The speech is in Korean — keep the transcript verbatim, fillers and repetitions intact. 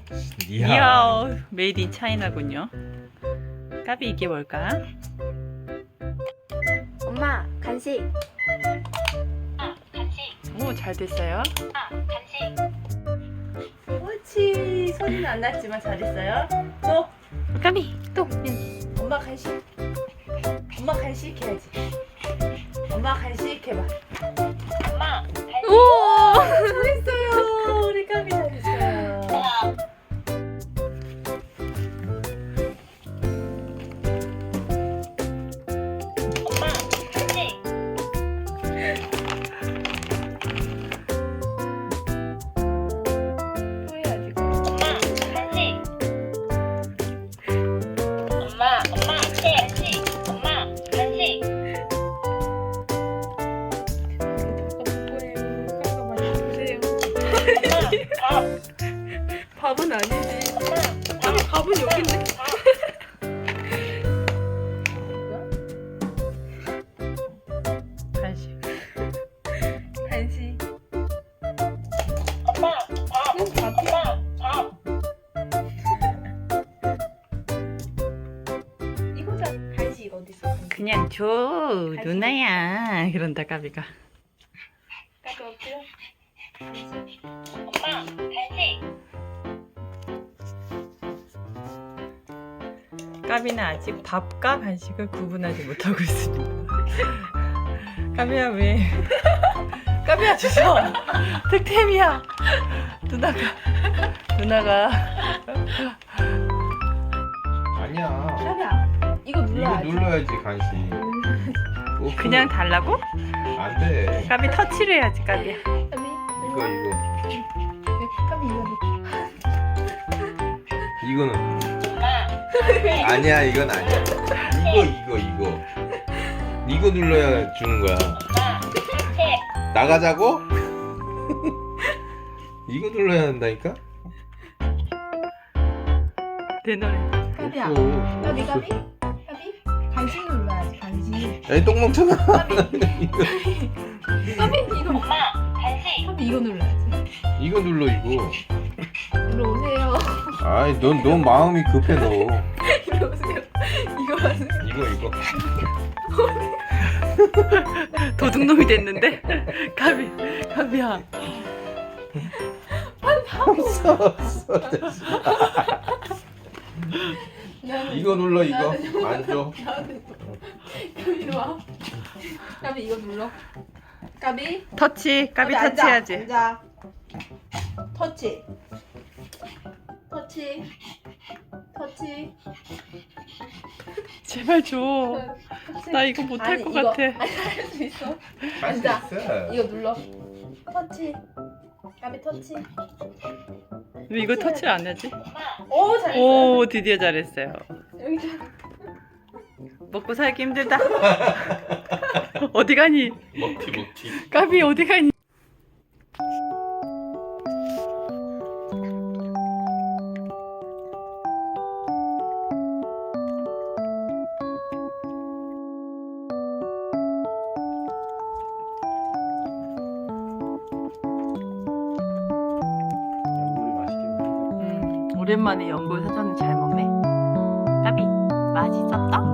니하오. 니하오. 메이드 인 차이나군요. 까비 이게 뭘까? 엄마 간식. 오, 잘 됐어요. 간식. 옳지. 소리는 안 났지만 잘했어요. 또 까비 또. 엄마 간식. 엄마 간식 해야지. 엄마 간식 해봐. 엄마 간식. 오, 잘했어요. 우리 까비 잘했어요. 엄마 간식. 또 해야지. 엄마 간식. 엄마 엄마 간식. 엄마 간식. 밥. 밥은 아니지. 엄마 밥. 밥은 여기 있네. 간식. 간식. 엄마 밥. 엄마 밥. 이거잖아. 간식 어디 있어? 간식. 그냥 줘 누나야. 그런다 까비가. 까비 없죠? 엄마 간식. 까비는 아직 밥과 간식을 구분하지 못하고 있습니다. 까비야 왜? 까비야 주소. 득템이야. 누나가 누나가. 아니야. 까비야 이거 이거 눌러야지. 눌러야지 간식. 어, 그냥 달라고? 안 돼. 까비 터치를 해야지 까비야. 까비 이거 이거 까비 이거 이거는 엄마 아니야. 이건 아니야. 이거 이거 이거 이거 눌러야 주는 거야. 엄마 간식. 나가자고? 이거 눌러야 한다니까? 내 노래. 까비야 없어. 까비 없어. 까비 까비 간식 눌러야지 간식. 에이 똥멍청아. 이거 까비 이거 엄마 간식. 까비 이거 눌러야지. 이거 눌러 이거. 일로 오세요. 아이 넌 넌 마음이 급해 너. 일로 오세요. 이거 하세요. 이거 이거. 도둑놈이 됐는데. 까비 까비야. 없어 없어. 이거 눌러 이거. 안 줘. 까비 이리 와. 까비 이거 눌러. 까비. 터치. 까비 앉아, 터치해야지. 앉아. 터치. 터치. 터치. 제발 줘. 터치. 나 이거 못할 아니, 것 이거. 같아. 아니, 할 수 있어. 할 수 앉아. 있어. 이거 눌러. 터치. 까비 터치. 왜 이거 터치를 안 하지? 오 잘했어. 오, 드디어 잘했어요. 여기 좀. 먹고 살기 힘들다. 어디 가니? 먹튀 먹튀. 까비 어디 가니? 양물이 맛있겠네. 음, 오랜만에 연골 사전을 잘 먹네. 까비 맛있었다.